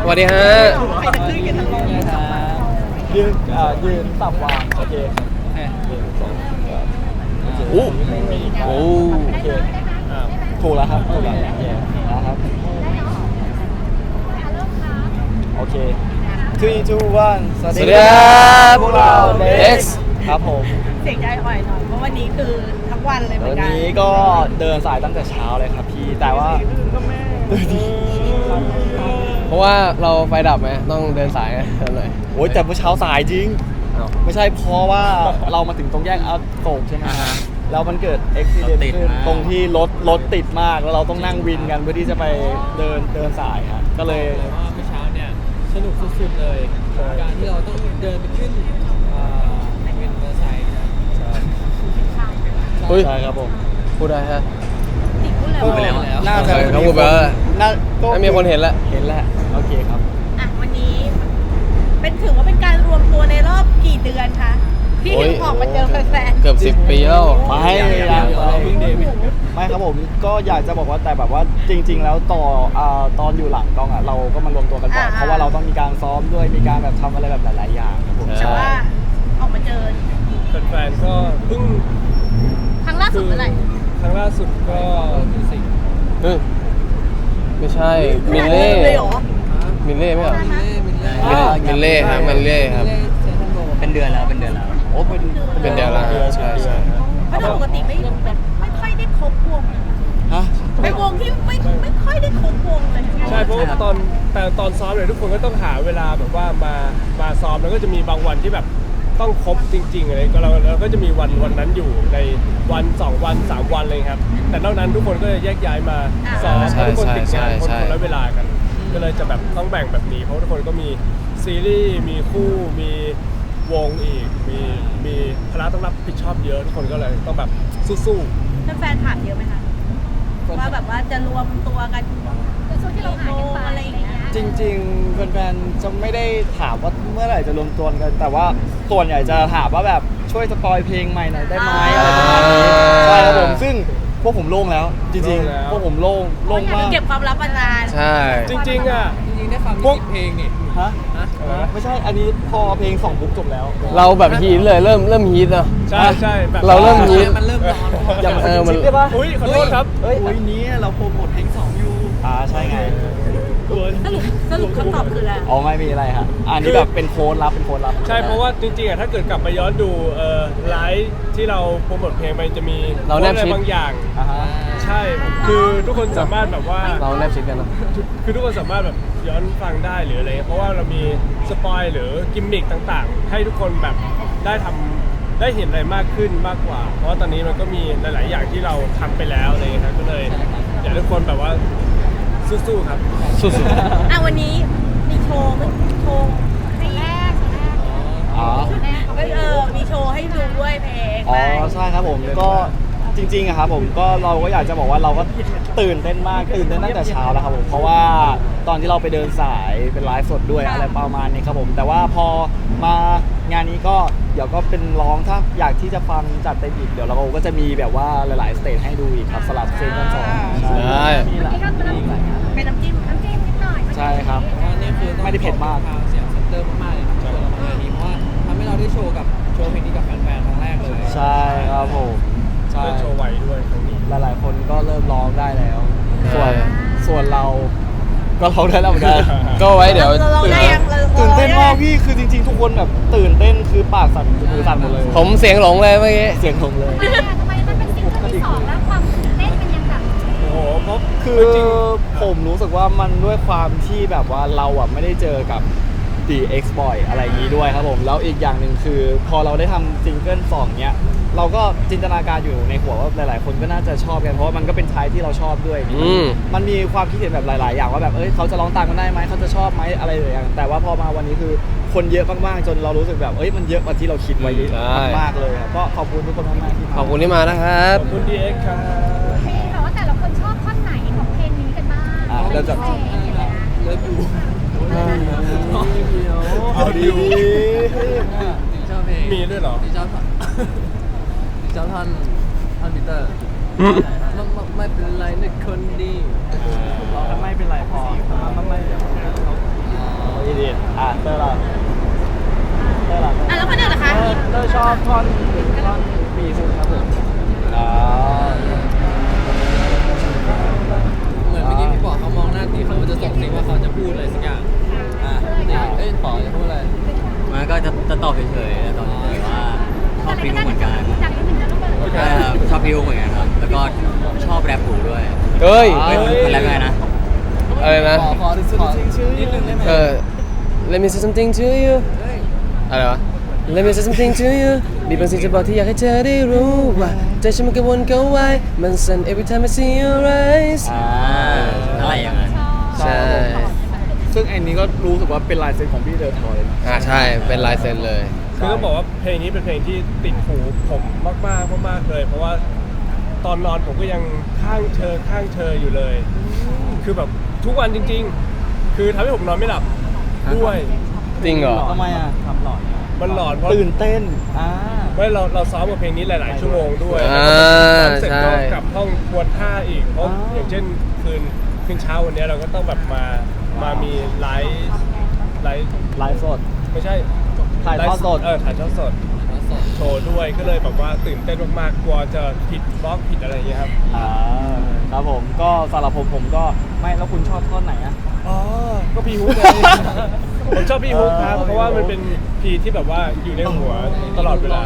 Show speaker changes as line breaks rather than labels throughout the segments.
สวัสดีฮะ
ใครจะขึ้นกันทั้งโลก
ยืนสับวางโอเค
โอ้โห
โอเคถูกแล้วครับถูกแล้วนะครับโอเค3 2 1สวัสดีครับพวกเรา Dex ครับผม
เสียงใจอ่อยหน่อยเพราะวันนี้คือทั้งวันเลยเหมือน
วัน
กัน
นี้ก็เดินสายตั้งแต่เช้าเลยครับพี่แต่ว่า
เพราะว่าเราไฟดับไหมต้องเดินสายหน่อย
โอ้ยแต่เมื่อเช้าสายจริงไม่ใช่เพราะว่าเรามาถึงตรงแยกอโศกใช่ไหมแล้วมันเกิดอุบิเหตุขึ้นตรงที่รถติดมากแล้วเราต้องนั่งวินกันเพื่อที่จะไปเดินสายครับก็เลย
ว่าเมื่อเช้าเนี่ยสนุกสุดๆเลยการที่เราต้องเดินไปขึ้นวินมอเตอร์ไซค์ใช่
ใช่ครับผม
พูดได้ฮะ
พูดไปแล้ว
น่าจะ
เขาพูดไปแล้วน่ามีคนเห็นแล้ว
โอเคครับ
อ่ะวันนี้ถือว่าเป็นการรวมตัวในรอบกี่เดือนคะที่ถึงออกมาเจอแฟน
เกือบ10 ปีแล้ว
ไม่ครับผมก็อยากจะบอกว่าแต่แบบว่าจริงๆแล้วตอนอยู่หลังกล้องอ่ะเราก็มารวมตัวกันบ่อยเพราะว่าเราต้องมีการซ้อมด้วยมีการแบบทำอะไรแบบหลายๆอย่างครับผม
แต่ว่าออกมาเจอ
แฟนๆก็เพิ่ง
ครั้งล่าสุดเมื่อไหร่
ครั้งล่าสุดก็
ไม่ใช่มิลเล่มิลเล่ไหมครับมิลเล่ครับมิลเล่ครับ
เป็นเดือนแล้วโอ้เป็น
เดือนแล้วใช่
เพราะปกติไม่ค่อยได้ครบวงเป็นวงที่ไม่ค่อยได้ครบวงเลย
ใช่เพราะตอนซ้อมเนี่ยทุกคนก็ต้องหาเวลาแบบว่ามาซ้อมแล้วก็จะมีบางวันที่แบบต้องครบจริงๆอะไรก็เราก็จะมีวันนั้นอยู่ในวัน2 วัน3 วันเลยครับแต่นอกนั้นทุกคนก็จะแยกย้ายมาซ้อมทุกคนติดงานคนละเวลากันก็เลยจะแบบต้องแบ่งแบบนี้เพราะทุกคนก็มีซีรีส์มีคู่มีวงอีกมีภาระต้องรับผิดชอบเยอะทุกคนก็เลยต้องแบบสู้
ๆแฟนถามเยอะไหมคะว่าแบบว่าจะรวมตัวกันช่วงที่เราหายกันไปอะไรอย่างเงี้ย
จริงๆแฟนๆจะไม่ได้ถามว่าเมื่อไหร่จะรวมตัวกันแต่ว่าส่วนใหญ่จะถามว่าแบบช่วยสปอยเพลงใหม่หน่อยได้ไหมอะไรประมาณนี้ใช่ครับผมซึ่งพวกผมโล่งแล้วจริงๆพวกผมโล่งมาก
เก็บความลับมานาน
ใช่
จริงๆ
ได้ฟังเพลงนี่ฮะไม่ใช่อันนี้พอเพลง2 ปุ๊บจบแล้ว
เราแบบฮีทเลยเริ่มฮีทนะ
ใช่แบบ
เราเริ่มฮีท
มันเริ่มร้อน
อย่ามาคิดได้ปะ
อุ้ยขอโทษครับ
นี้เราโปรโมทเพลง2อยู่ใช่ไง
สรุปคำตอบคืออะไร
ไม่มีอะไรฮะอันนี้แบบเป็นโค้ดลับ
ใช่เพราะว่าจริงๆถ้าเกิดกลับไปย้อนดูไลฟ์ที่เราโปรโมทเพลงไปจะมีอะไรบางอย่างใช่คือทุกคนสามารถแบบว่า
เราแนบชิดกันนะ
คือทุกคนสามารถแบบย้อนฟังได้หรืออะไรเพราะว่าเรามีสปอยหรือกิมมิคต่างๆให้ทุกคนแบบได้เห็นอะไรมากขึ้นมากกว่าเพราะว่าตอนนี้มันก็มีหลายๆอย่างที่เราทำไปแล้วอะไรครับก็เลยอยากให้ทุกคนแบบว่าสู้ๆครับ
สู้
ๆวันนี้มีโชว์ให้มีโชว์ให้ดูด้วยเพลง
ใช่ครับผมก็จริงๆครับผมก็เราก็อยากจะบอกว่าเราก็ตื่นเต้นตั้งแต่เช้าแล้วครับผมเพราะว่าตอนที่เราไปเดินสายเป็นไลฟ์สดด้วยอะไรประมาณนี้ครับผมแต่ว่าพอมางานนี้ก็เดี๋ยวก็เป็นร้องถ้าอยากที่จะฟังจัดเต็มอีกเดี๋ยวเราก็จะมีแบบว่าหลายๆสเตจให้ดูอีกครับสลับซีซั่น2
ใช่
เป็นน้ำจิ้มนิดหน่อย
ใช่ครับไม่ได้เผ็ดมาก
เสียงเซนเตอร์มากๆเลยครับสำหรับงานนี้เพราะว่าทำให้เราได้โชว์เพลงนี้กับแฟนๆครั้งแรกเลย
ใช่ครับผมใช่
โชว์ไหวด้วยครั้งนี้
หลายๆคนก็เริ่มร้องได้แล้วส่วนเราก็ร้องได้แล้วเหมือนกัน
ก็ไว้เดี๋ยว
ตื่นเต้นมากพี่คือจริงๆทุกคนแบบตื่นเต้นคือปากสั่นมือสั่นหมดเลย
ผมเสียงหลงเลยเมื่อกี้
เสียงหลงเลย
ทำไมมันเป็นซิงเกิลที่2แล้วความตื่นเต้นมันยังแบบ
โอ้โหเพราะคือผมรู้สึกว่ามันด้วยความที่แบบว่าเราไม่ได้เจอกับ DX บ่อยอะไรอย่างนี้ด้วยครับผมแล้วอีกอย่างหนึ่งคือพอเราได้ทำซิงเกิล2เนี้ยเราก็จินตนาการอยู่ในหัวว่าหลายๆคนก็น่าจะชอบกันเพราะว่ามันก็เป็นชายที่เราชอบด้วยมันมีความคิดเห็นแบบหลายๆอย่างว่าแบบเขาจะร้องตามกันได้ไหมเขาจะชอบไหมอะไรอย่างแต่ว่าพอมาวันนี้คือคนเยอะมากๆจนเรารู้สึกแบบมันเยอะกว่าที่เราคิดไว้มากเลยครับก็ขอบคุณทุกคนมากๆที่มา
ขอบคุณที่มานะครับ
ขอบคุณ DX ครับ
เพลงค่ะว่าแต่ละคนชอบท่อนไหนของเพลงนี้กันบ้าง
เราจะ
เลิฟยู
เอาดี
ชอบเพลงมีด้วยเหรอชอบท่อนปีเตอร์ไม่เป็นไรนะคนดี
เราไม่เป็นไรพอไม่ดีเตอร์ล่ะ
อ่ะแล้วคนอื่นล่ะคะ
เตอร์ชอบท่อนปีสุดครับผม
เหมือนเมื่อกี้พี่บอกเขามองหน้าตีเขาจะส่งสิ่งว่าเขาจะพูดอะไรสักอย่างป๋อจะพูดอะไร
มันก็จะตอบเฉยๆตอบเฉยๆว่าชอบพี่ฮุกเหมือนกัน
จากนิดนึงนะลูกเบิร์ด
ใช่ครับชอบพี่ฮุกเหมือนกันครับแล้วก็ชอบแรปหูด้วย
เฮ้ย
มันแรปยังไงนะ
อะไรนะ
ขอนิดนึงได้ไหม
Let me say something to you อะไรวะ Let me say something to you มีบางสิ่งจะบอกที่อยากให้เธอได้รู้ว่าใจฉันมันกังวลกังวายมันสั่น every time I see your eyes
อะไรอย่างนั้น
ใช่
ซึ่งอันนี้ก็รู้สึกว่าเป็นลายเซ็นของพี่เดอร์ทอยนะ
ใช่ เป็นลายเซ็นเลย
คือต้องบอกว่าเพลงนี้เป็นเพลงที่ติดหูผมมากเลย เพราะว่าตอนนอนผมก็ยังข้างเธออยู่เลย คือแบบทุกวันจริงๆ คือทำให้ผมนอนไม่หลับด้วย
จริงเหรอ
ทำไมทำหลอด
มันหลอนเพราะ
ตื่นเต้น
ไม่เราซ้อมกับเพลงนี้หลายๆชั่วโมงด้วย ซ้อมเสร็จก็กลับห้องทวนท่าอีกเพราะอย่างเช่นคืนเช้าวันนี้เราก็ต้องแบบมามีไลฟ์
สด
ไม่ใช่
ถ่ายทอดสด
ถ่ายทอดสดโชว์ด้วยก็เลยแบบว่าตื่นเต้นมากๆกลัวจะผิดบล็อกผิดอะไรอย่างเงี้ยครับ
ครับผมก็สำหรับผมก็ไม่แล้วคุณชอบท่อนไหนอะ
ก็พี่ฮุกไง ผมชอบพี่ฮุกครับเพราะว่ามันเป็นพีที่แบบว่าอยู่ในหัวตลอดเวลา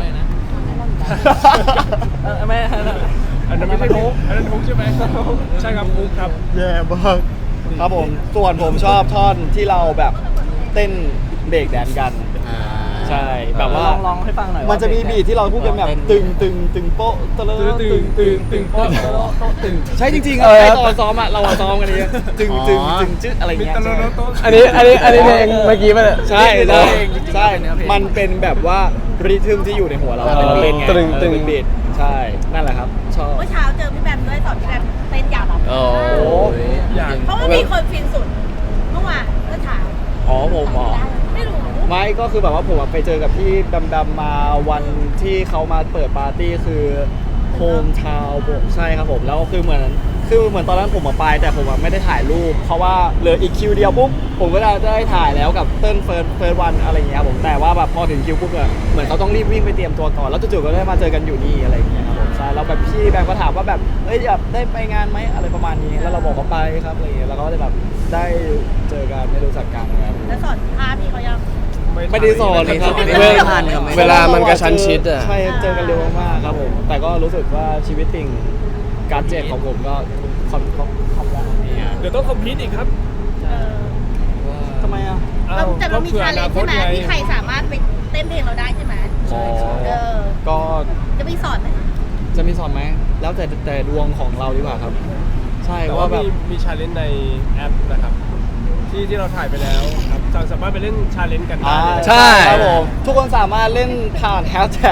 ไม่
อันนั้นไม่ใช่ฮุกอันนั้นฮุกใช่ไหมใช่ครับฮุกครับ
แย่มากครับผมส่วนผมชอบท่อนที่เราแบบเต้นเบรกแดนกันใช่แบบว่าลองให้ฟังหน่อยมันจะมีบีทที่เราพูดกันแบบตึงโป๊ะตะเลตึงโป๊ะใช่จริงๆไอ้ตอนซ้อมอะเราซ้อมกันนี้ตึงจึ๊ดอะไรเงี้ย
อันนี้เพลงเมื่อกี้ป่ะเนี่ย
ใช่มันเป็นแบบว่าริทึมที่อยู่ในหัวเราเราเล่นไงเป็นบีทใช่นั่นแหละครับชอบ
เมื่อเช้าเจอพี่แบมด้วยสอนพี่แบมเต้นยาว
โอ้
อยาก
เพราะว่ามีคนฟินสุดเมื่อวานเมื่อเช้า
ผม
ไม่รู้
ไม่ก็คือแบบว่าผมไปเจอกับพี่ดำๆมาวันที่เขามาเปิดปาร์ตี้คือโฮมทาวน์ใช่ครับผมแล้วคือเหมือนตอนนั้นผมมาไปแต่ผมไม่ได้ถ่ายรูปเพราะว่าเหลืออีกคิวเดียวปุ๊บผมก็ได้ถ่ายแล้วกับเติ้ลเฟิร์สวันอะไรอย่างเงี้ยครับผมแต่ว่าแบบพอถึงคิวปุ๊บเนี่ยเหมือนเขาต้องรีบวิ่งไปเตรียมตัวก่อนแล้วจู่ๆก็ได้มาเจอกันอยู่นี่อะไรอย่างเงี้ยครับผมใช่แล้วแบบพี่แบงค์ก็ถามว่าแบบอยากได้ไปงานไหมอะไรประมาณนี้แล้วเราบอกว่าไปครับอะไรอย่างเงี้ยแล้วก็ได้แบบได้เจอกันได้รู้จักกันนะครับ
แล้วสอนท่าพี่เขายัง
ไม่ได้สอนเลยครับ
เวลามันกระชั้นชิดอ่ะ
ใช่เจอกันเร็วมากครับผมแต่ก็รู้สึกว่าชีวิตติ่งการเจ็บของผมก็คอมแล้ว
เดี๋ยวต้องคอมพิวต์อีกครับ
ทำไมอ่ะ
แต่เรามีชาเลนจ์ใช่ไหมที่ใครสามารถไปเต้นเพลงเราได้ใช่ไหมก็ จะมีสอนไหม
จะมีสอนไหมแล้วแต่ดวงของเราดีกว่าครับ ใช่
แต่
ว่า
ว่า
แบบ
มีชาเลนจ์ในแอปนะครับที่เราถ่ายไปแล้วครับสามารถไปเล่นชาเลนจ์กันได้เลย
ใช่
ครับผมทุกคนสามารถเล่นผ่านแฮชแท็ก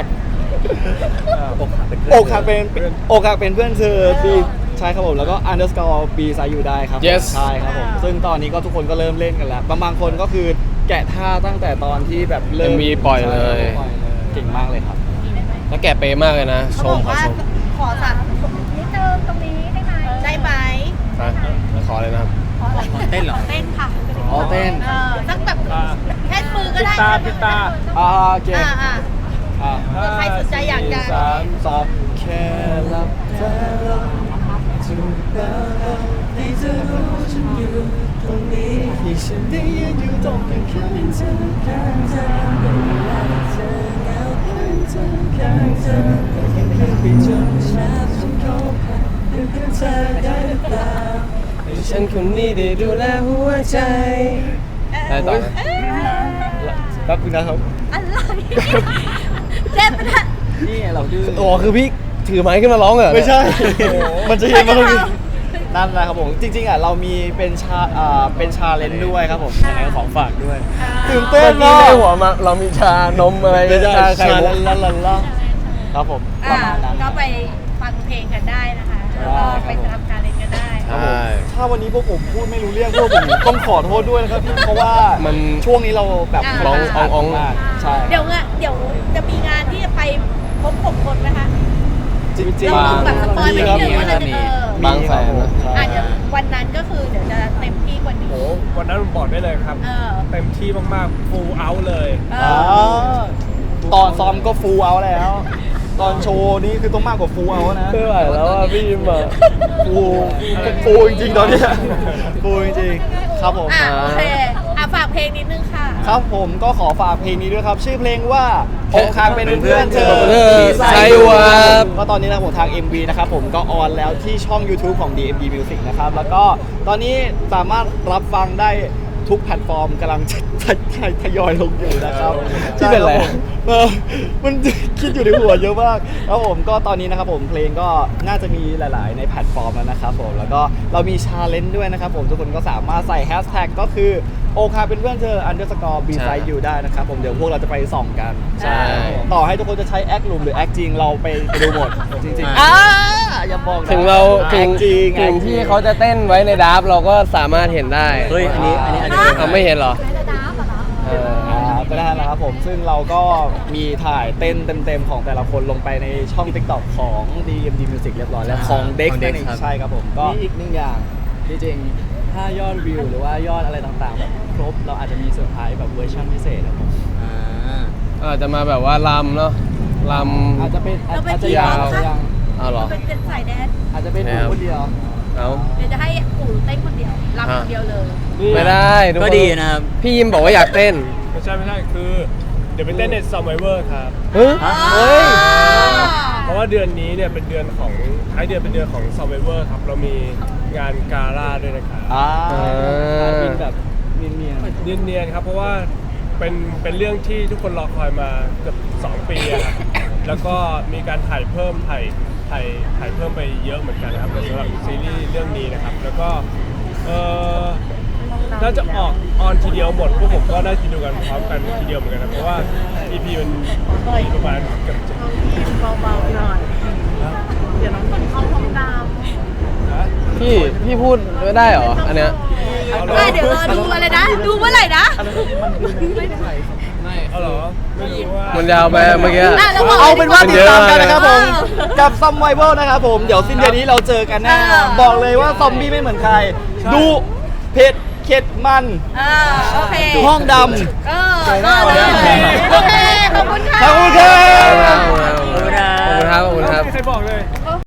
อกหักเป็นเพื่อนเธอบีใช่ครับผมแล้วก็ underscore b ไซอยู่ได้ครับ
Yes
ใช่ครับผมซึ่งตอนนี้ก็ทุกคนก็เริ่มเล่นกันแล้วบางคนก็คือแกะท่าตั้งแต่ตอนที่แบบเริ่ม
MV ปล่อยเลย
เก่งมากเลยครับ
แล้วแกเป๊ะมากเลยนะ ช
เขา
ม
บอก
ขอ
ว่า
ชม
ขอสั่ง
นิดนึงตรงนี้ได้ไหม
ได้ไหม
ขอเลยนะครับ
เต้นเหรอ
เต้นค่ะ
อ๋อเต้น
สักแบบแค่มือก็ได้
ปิดตา
โอเค
ใครสนใจอยากจะ
สองแค่หลับตาถึงตาให้เธอรู้ฉันอยู่ตรงนี้ที่ฉันได้ยืนอยู่ตรงข้างเธอข้างเธอเวลาเธอเหงาข้างเธอข้างเธอก็ยังไม่ไปจนแล้ฉันเข้าหาเพื่อนเธอได้หรือเปล่า
ฉันคนนี้ได้ดูแลหัวใจได้ต่อนะ
แป๊บนึงนะครับ
อะไรเจ็บไปนะ
นี่เราดื้อ
โอ้คือพี่ถือไม้ขึ้นมาร้องเหรอ
ไม่ใช่ มันจะเห็นมาตรงนี้นั่นแหละครับผม จริงๆเรามีเป็นชาเลนจ์ด้วยครับผมยังไงก็ของฝากด้วยตื่นเต้
เมื่
น
อกี้
เนาะ
ในหัวมาเรามีชานมอะไร
ไม่ใช่
ชาไข่
ชา
มุก
ลาครับผมประมาณนั้น
ก็ไปฟังเพลงกันได้นะคะแล้วก็ไปทำการเล่นกันได้
ใช่
ถ้าวันนี้พวกผมพูดไม่รู้เรื่องพวกผมต้องขอโทษด้วยนะครับพี่เพราะว่า
มัน
ช่วงนี้เราแบบ
ร้องอ่องๆ
มากใช่
เดี๋ยวจะมีงานที่จะไปพบ6คนไหมคะ
จริง
เราแบบสปอยล์ไปนิดนึงว่าเราจะ
บางแสนนะ
ใช่
อาจจะวันนั้นก็คือเดี๋ยวจะเต็มที่กว่านี้
วันนั้นผมบอกได้เลยครับ เต็มที่มากๆ full out เลย
ตอนซ้อมก็ฟูลเอาท์แล้ว ตอนโชว์นี่คือต้องมากกว่าฟูลเอาท์นะ
ไม่ไหวแล้วอ่ะพี่ยิมอ่ะ
ฟูลจริงๆตอนเนี้ยฟูลจริงๆครับผม
โอเคฝากเพลงนิดนึงค่ะ
ครับผมก็ขอฝากเพลงนี้ด้วยครับ ชื่อเพลงว่าอกหักเป็นเพื่อนเธอ
ใช่ครับ
ก็ตอนนี้นะครับผมทาง MV นะครับผมก็ออนแล้วที่ช่อง YouTube ของ DMD Music นะครับแล้วก็ตอนนี้สามารถรับฟังได้ทุกแพลตฟอร์มกำลังทยอยลงอยู่นะครับ
ที่เป็นอะไร
ใช่คบผมมันคิดอยู่ในหัวเยอะมากแล้วผมก็ตอนนี้นะครับผมเพลงก็น่าจะมีหลาย ๆ ในแพลตฟอร์มแล้วนะครับผมแล้วก็เรามีชาเลนจ์ด้วยนะครับผมทุกคนก็สามารถใส่แฮชแท็กก็คือโอคาเป็นเพื่อนเธอ underscore beside you ได้นะครับผมเดี๋ยวพวกเราจะไปส่องกัน
ใช่
ต่อให้ทุกคนจะใช้แอคหลุมหรือแอคจริงเราไปดูหมดจริงๆอย่าบอกนะ
ถึงเรา
แอคจริง
ถึงที่เขาจะเต้นไว้ในดับเราก็สามารถเห็นได้
เฮ้ยอันนี้อาจจะ
เอาไม่เห็นเหรอ
ในระดับเหรอ
เออ
ก็ได้แล้วครับผมซึ่งเราก็มีถ่ายเต้นเต็มๆของแต่ละคนลงไปในช่อง TikTok ของ DMD Music เรียบร้อยแล้วของ Dex นั่นเองใช่ครับผมก็
มีอีกหนึ่งอย่างจริงๆถ้ายอดวิวหรือว่ายอดอะไรต่างๆแบบครบเราอาจจะมีเซอร์ไพรส์แบบเวอร์ชันพิเศษครับผม
อาจจะมาแบบว่าลำเนาะลำ
อาจจะเป็น
เราเป็น
อาจจะ
ทีม
ยัง
เหรอ
อาจจะยัง
เอาเหรอ
เป็นสายแดน
อาจจะเป็นหนูคนเดียว
เอา
เดี๋ยวจะให้ปู่เต้นคนเดียวรำคนเดียวเลย
ไม่ได้ทุคน
ก็ดีนะครับ
พี่ยิมบอกว่าอยากเต้น
ไม่ใช่คือเดี๋ยวไปเต้นใน Survivor ครับ
เฮ้ย
เพราะว่าเดือนนี้เนี่ยเป็นเดือนของท้ายเดือนเป็นเดือนของ Survivor ครับเรามีงานกาล่าด้วยนะครับ
บินแบบเนียน
เนียนๆครับเพราะว่าเป็นเรื่องที่ทุกคนรอคอยมาเกือบ2 ปีอะครับแล้วก็มีการถ่ายเพิ่มไปเยอะเหมือนกันนะครับสำหรับซีรีส์เรื่องนี้นะครับแล้วก็น่าจะออนทีเดียวหมดพวกผมก็ได้ดูกันพร้อมกันทีเดียวเหมือนกันนะเพราะว่า EP มันมีประมาณเกือบ
เบาๆหน่อยเดี๋ยวน้องคนเขาทองด
พี่พูดไม่ได้เหรออันเนี้ย
ำเดี๋ยวรอดูอะไรนะ ดูเมื่อไหร่นะ
เอาเหรอไม่รู้ว่า
มันยาวไปเมื่อกี้
แล้วบอก
เอาเป็นว่าติดตามกันนะครับผม
เออ
กับ Survivor นะครับผมเดี๋ยวสิ้นเดือนนี้เราเจอกันแน่บอกเลยว่าซอมบี้ไม่เหมือนใครดูเผ็ดเข็ดมัน
โอเค
ห้องดำ
ก็เลยโอเค ขอบคุณค่ะ
ขอบคุณครับ
ขอบคุณครับขอบคุณครับ
ไม่มีใครบอกเลย